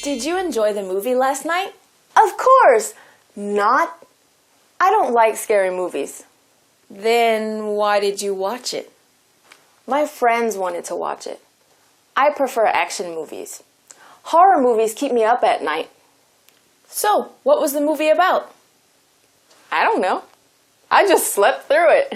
Did you enjoy the movie last night? Of course! Not. I don't like scary movies. Then why did you watch it? My friends wanted to watch it. I prefer action movies. Horror movies keep me up at night. So, what was the movie about? I don't know. I just slept through it.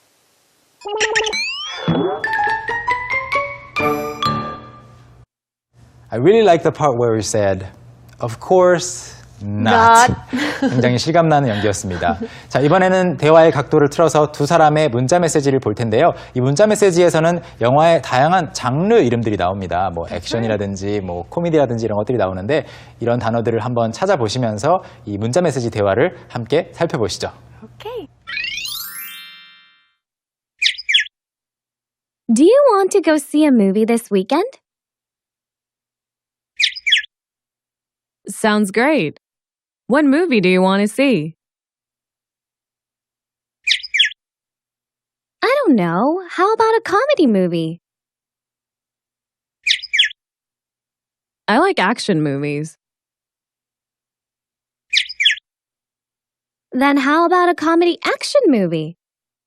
I really like the part where we said, of course not. 굉장히 실감나는 연기였습니다. 자, 이번에는 대화의 각도를 틀어서 두 사람의 문자 메시지를 볼 텐데요. 이 문자 메시지에서는 영화의 다양한 장르 이름들이 나옵니다. 뭐 액션이라든지 뭐 코미디라든지 이런 것들이 나오는데 이런 단어들을 한번 찾아보시면서 이 문자 메시지 대화를 함께 살펴보시죠. Okay. Do you want to go see a movie this weekend? Sounds great. What movie do you want to see? I don't know. How about a comedy movie? I like action movies. Then how about a comedy action movie?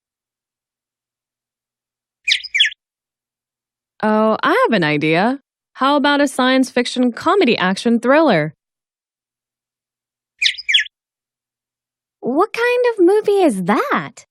Oh, I have an idea. How about a science fiction comedy action thriller? What kind of movie is that?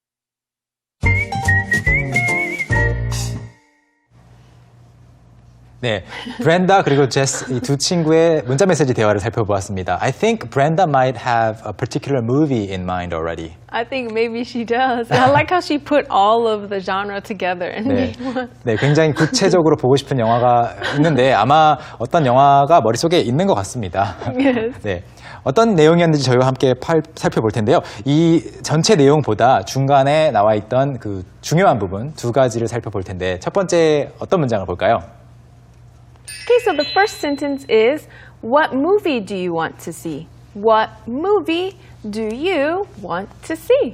네, 브렌다 그리고 제스 이 두 친구의 문자 메시지 대화를 살펴보았습니다. I think Brenda might have a particular movie in mind already. I think maybe she does. I like how she put all of the genre together and 네, made one. 네, 굉장히 구체적으로 보고 싶은 영화가 있는데 아마 어떤 영화가 머릿속에 있는 것 같습니다. Yes. 네, 어떤 내용이었는지 저희와 함께 살펴볼 텐데요. 이 전체 내용보다 중간에 나와 있던 그 중요한 부분 두 가지를 살펴볼 텐데 첫 번째 어떤 문장을 볼까요? Okay, so the first sentence is, what movie do you want to see? What movie do you want to see?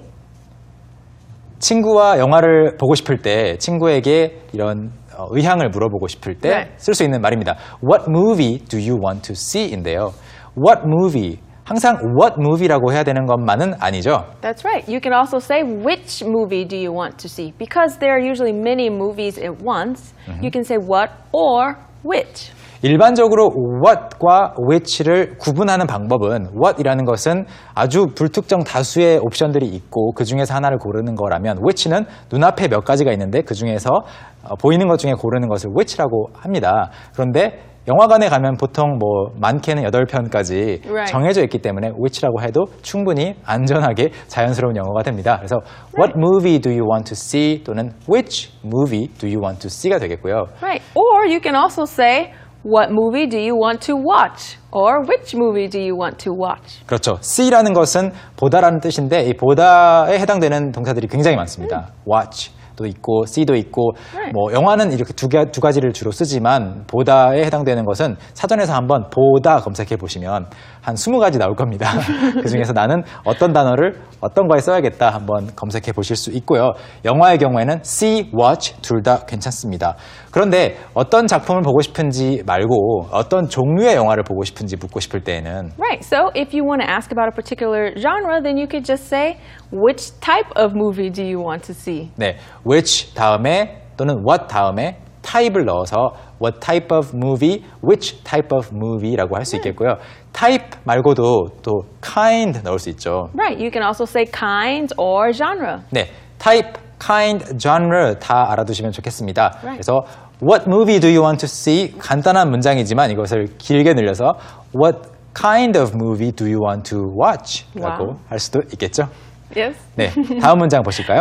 친구와 영화를 보고 싶을 때 친구에게 이런 의향을 물어보고 싶을 때 쓸 수 있는 말입니다. What movie do you want to see?인데요. What movie? 항상 what movie라고 해야 되는 것만은 아니죠. That's right. You can also say, which movie do you want to see? Because there are usually many movies at once. You can say what or which. 일반적으로 what과 which를 구분하는 방법은 what이라는 것은 아주 불특정 다수의 옵션들이 있고 그 중에서 하나를 고르는 거라면 which는 눈앞에 몇 가지가 있는데 그 중에서 보이는 것 중에 고르는 것을 which라고 합니다. 그런데 영화관에 가면 보통 뭐 많게는 8편까지 Right. 정해져 있기 때문에 which라고 해도 충분히 안전하게 자연스러운 영어가 됩니다. 그래서 what movie do you want to see 또는 which movie do you want to see가 되겠고요. Right. Or you can also say, what movie do you want to watch? Or which movie do you want to watch? 그렇죠. see라는 것은 보다라는 뜻인데 이 보다에 해당되는 동사들이 굉장히 많습니다. watch 도 있고 see도 있고 뭐 영화는 이렇게 두 가지를 주로 쓰지만 보다에 해당되는 것은 사전에서 한번 보다 검색해 보시면 한 20가지 나올 겁니다. 그중에서 나는 어떤 단어를 어떤 거에 써야겠다 한번 검색해 보실 수 있고요. 영화의 경우에는 see, watch 둘 다 괜찮습니다. 그런데 어떤 작품을 보고 싶은지 말고 어떤 종류의 영화를 보고 싶은지 묻고 싶을 때에는 Right. So if you want to ask about a particular genre, then you could just say, which type of movie do you want to see? 네, which 다음에 또는 what 다음에 type을 넣어서 what type of movie, which type of movie라고 할 수 있겠고요. type 말고도 또 kind 넣을 수 있죠. Right. You can also say kind or genre. 네, type, kind, genre 다 알아두시면 좋겠습니다. Right. 그래서 what movie do you want to see? 간단한 문장이지만 이것을 길게 늘려서 what kind of movie do you want to watch? 라고 Wow. 할 수도 있겠죠. Yes. 네, 다음 문장 보실까요?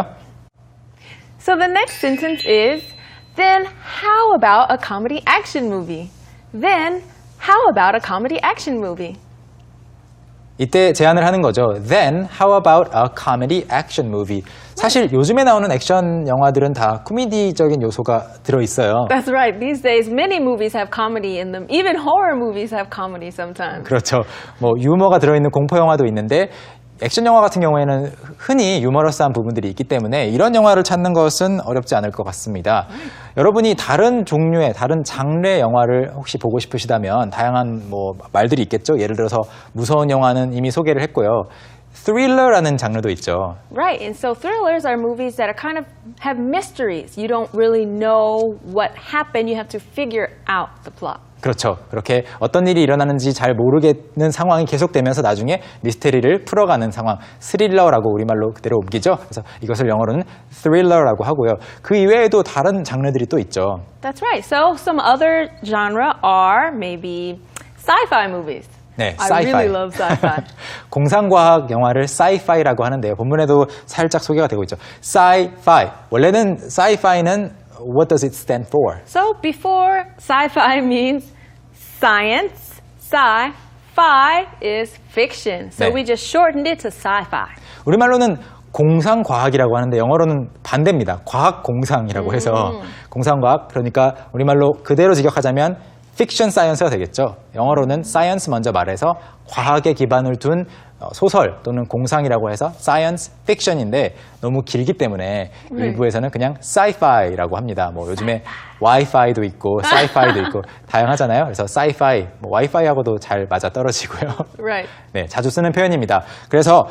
So the next sentence is, then how about a comedy action movie? Then how about a comedy action movie? 이때 제안을 하는 거죠. Then how about a comedy action movie? 사실 요즘에 나오는 액션 영화들은 다 코미디적인 요소가 들어있어요. That's right. These days, many movies have comedy in them. Even horror movies have comedy sometimes. 그렇죠. 뭐 유머가 들어있는 공포 영화도 있는데 액션 영화 같은 경우에는 흔히 유머러스한 부분들이 있기 때문에 이런 영화를 찾는 것은 어렵지 않을 것 같습니다. 여러분이 다른 종류의 다른 장르의 영화를 혹시 보고 싶으시다면 다양한 뭐 말들이 있겠죠. 예를 들어서 무서운 영화는 이미 소개를 했고요. Thriller라는 장르도 있죠. Right, and so thrillers are movies that are kind of have mysteries. You don't really know what happened. You have to figure out the plot. 그렇죠. 그렇게 어떤 일이 일어나는지 잘 모르겠는 상황이 계속되면서 나중에 미스테리를 풀어가는 상황, 스릴러라고 우리말로 그대로 옮기죠. 그래서 이것을 영어로는 thriller라고 하고요. 그 이외에도 다른 장르들이 또 있죠. That's right. So some other genre are maybe sci-fi movies. 네, I sci-fi. really love sci-fi. 공상과학 영화를 sci-fi라고 하는데요. 본문에도 살짝 소개가 되고 있죠. sci-fi. 원래는 sci-fi는 what does it stand for? So before sci-fi means science, sci-fi is fiction. So 네. we just shortened it to sci-fi. 우리말로는 공상과학이라고 하는데 영어로는 반대입니다. 과학공상이라고 해서 공상과학, 그러니까 우리말로 그대로 직역하자면 픽션 사이언스가 되겠죠. 영어로는 사이언스 먼저 말해서 과학에 기반을 둔 소설 또는 공상이라고 해서 사이언스 픽션인데 너무 길기 때문에 일부에서는 그냥 사이파이라고 합니다. 뭐 요즘에 와이파이도 있고 사이파이도 있고 다양하잖아요. 그래서 사이파이, 뭐 와이파이하고도 잘 맞아 떨어지고요. Right. 네, 자주 쓰는 표현입니다. 그래서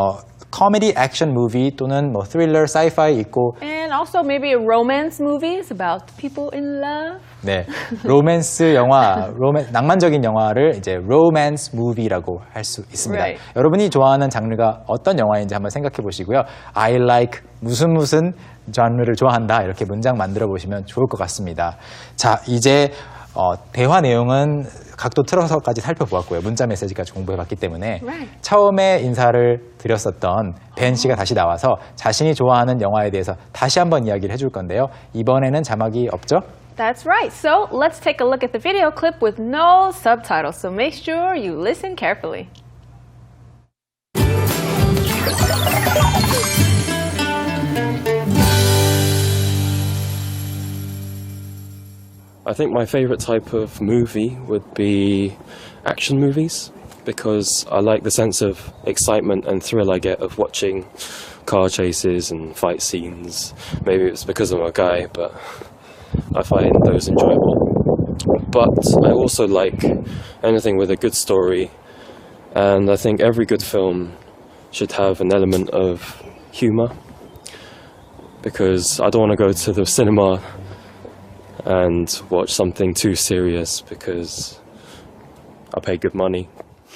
코미디 액션 무비 또는 뭐 스릴러, 사이파이 있고 And also maybe romance movies about people in love. 네, 로맨스 영화, 낭만적인 영화를 이제 로맨스 무비라고 할 수 있습니다. Right. 여러분이 좋아하는 장르가 어떤 영화인지 한번 생각해 보시고요. I like 무슨 장르를 좋아한다 이렇게 문장 만들어 보시면 좋을 것 같습니다. 자, 이제 대화 내용은 각도 틀어서까지 살펴보았고요. 문자 메시지까지 공부해봤기 때문에 Right. 처음에 인사를 드렸었던 벤 씨가 다시 나와서 자신이 좋아하는 영화에 대해서 다시 한번 이야기를 해줄 건데요. 이번에는 자막이 없죠? That's right. So let's take a look at the video clip with no subtitles. So make sure you listen carefully. I think my favourite type of movie would be action movies because I like the sense of excitement and thrill I get of watching car chases and fight scenes. Maybe it's because I'm a guy, but I find those enjoyable. But I also like anything with a good story, and I think every good film should have an element of humour because I don't want to go to the cinema and watch something too serious because I pay good money.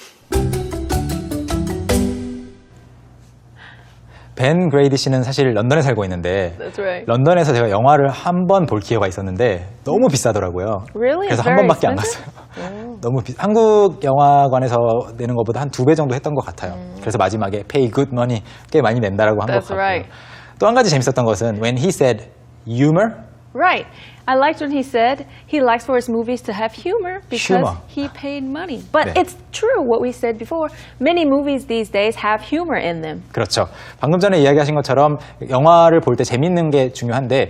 벤 그레이디 씨는 사실 런던에 살고 있는데 That's right. 런던에서 제가 영화를 한 번 볼 기회가 있었는데 너무 비싸더라고요. Really? 그래서 It's 한 very 번밖에 안 expensive? 갔어요. 너무 한국 영화관에서 내는 것보다 한 2배 정도 했던 것 같아요. 그래서 마지막에 pay good money 꽤 많이 낸다라고 한 것 That's 같고요. right. 또 한 가지 재밌었던 것은 when he said humor, Right. I liked when he said he likes for his movies to have humor because Humor. he paid money. But 네. it's true what we said before. Many movies these days have humor in them. 그렇죠. 방금 전에 이야기하신 것처럼 영화를 볼 때 재밌는 게 중요한데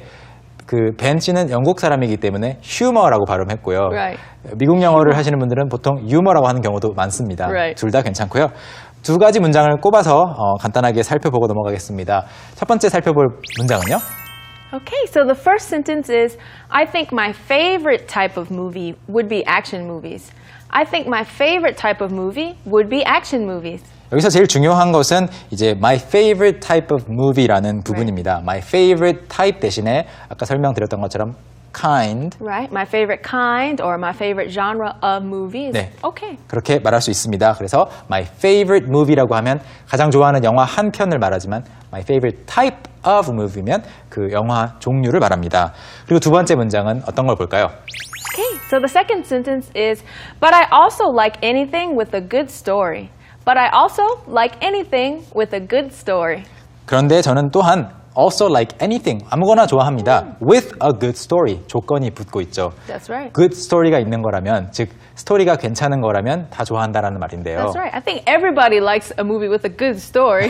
그 벤 씨는 영국 사람이기 때문에 휴머라고 발음했고요. Right. 미국 영어를 하시는 분들은 보통 유머라고 하는 경우도 많습니다. Right. 둘 다 괜찮고요. 두 가지 문장을 꼽아서 간단하게 살펴보고 넘어가겠습니다. 첫 번째 살펴볼 문장은요. Okay, so the first sentence is I think my favorite type of movie would be action movies. I think my favorite type of movie would be action movies. 여기서 제일 중요한 것은 이제 my favorite type of movie라는 부분입니다. My favorite type 대신에 아까 설명드렸던 것처럼 kind Right? My favorite kind or my favorite genre of movies. 네. Okay. 그렇게 말할 수 있습니다. 그래서 my favorite movie라고 하면 가장 좋아하는 영화 한 편을 말하지만 my favorite type of movie면 그 영화 종류를 말합니다. 그리고 두 번째 문장은 어떤 걸 볼까요? Okay, so the second sentence is, but I also like anything with a good story. But I also like anything with a good story. 그런데 저는 또한 also like anything, 아무거나 좋아합니다. With a good story, 조건이 붙고 있죠. That's right. good story가 있는 거라면, 즉 스토리가 괜찮은 거라면 다 좋아한다라는 말인데요. That's right. I think everybody likes a movie with a good story.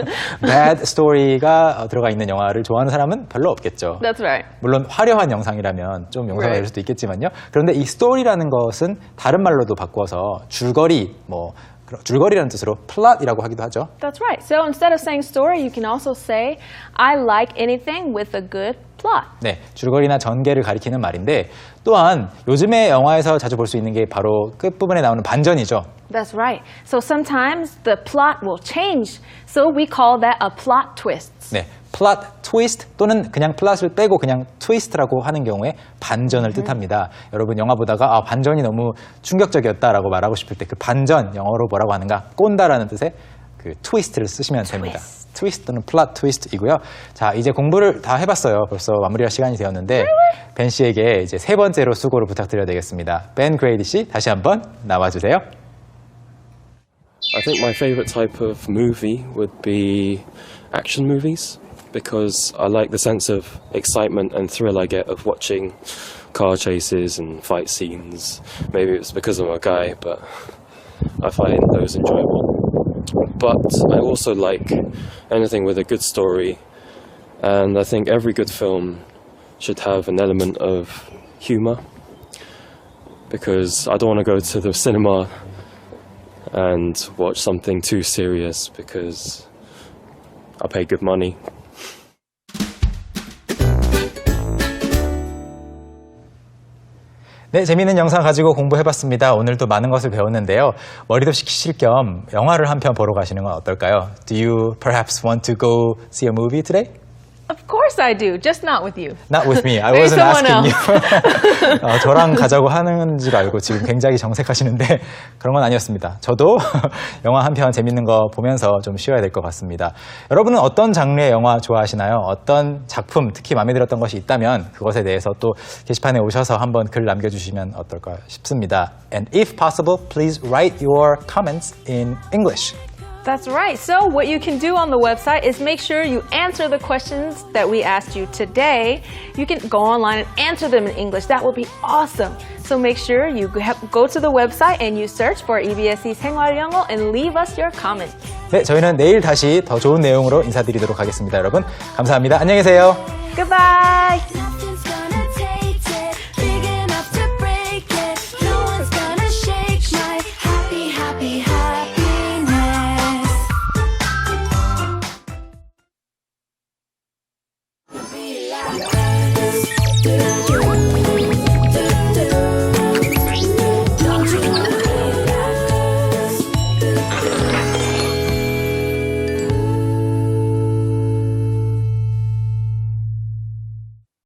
bad story가 들어가 있는 영화를 좋아하는 사람은 별로 없겠죠. That's right. 물론 화려한 영상이라면 좀 용서가 될 Right. 수도 있겠지만요. 그런데 이 스토리라는 것은 다른 말로도 바꿔서 줄거리, 뭐 줄거리라는 뜻으로 plot이라고 하기도 하죠. That's right. So instead of saying story, you can also say, I like anything with a good plot. 네, 줄거리나 전개를 가리키는 말인데 또한 요즘에 영화에서 자주 볼 수 있는 게 바로 끝부분에 나오는 반전이죠. That's right. So sometimes the plot will change. So we call that a plot twist. 네, plot twist 또는 그냥 플롯을 빼고 그냥 twist라고 하는 경우에 반전을 뜻합니다. 여러분 영화 보다가 반전이 너무 충격적이었다라고 말하고 싶을 때 그 반전 영어로 뭐라고 하는가? 꼰다라는 뜻의 그 twist를 쓰시면 됩니다. twist 또는 plot twist이고요. 자, 이제 공부를 다 해봤어요. 벌써 마무리할 시간이 되었는데 벤 씨에게 이제 세 번째로 수고를 부탁드려야 되겠습니다. 벤 그레이디 씨 다시 한번 나와주세요. I think my favorite type of movie would be action movies because I like the sense of excitement and thrill I get of watching car chases and fight scenes. Maybe it's because I'm a guy, but I find those enjoyable. But I also like anything with a good story, and I think every good film should have an element of humour because I don't want to go to the cinema and watch something too serious because I pay good money. 네, 재미있는 영상 가지고 공부해봤습니다. 오늘도 많은 것을 배웠는데요. 머리도 식히실 겸 영화를 한 편 보러 가시는 건 어떨까요? Do you perhaps want to go see a movie today? Of course I do, just not with you. Not with me. I Maybe wasn't someone asking you. 저랑 가자고 하는 줄 알고 지금 굉장히 정색하시는데 그런 건 아니었습니다. 저도 영화 한 편 재밌는 거 보면서 좀 쉬어야 될 것 같습니다. 여러분은 어떤 장르의 영화 좋아하시나요? 어떤 작품 특히 마음에 들었던 것이 있다면 그것에 대해서 또 게시판에 오셔서 한번 글 남겨주시면 어떨까 싶습니다. And if possible, please write your comments in English. That's right. So what you can do on the website is make sure you answer the questions that we asked you today. You can go online and answer them in English. That will be awesome. So make sure you go to the website and you search for EBSE 생활영어 and leave us your comment. 네, 저희는 내일 다시 더 좋은 내용으로 인사드리도록 하겠습니다. 여러분, 감사합니다. 안녕히 계세요. Goodbye!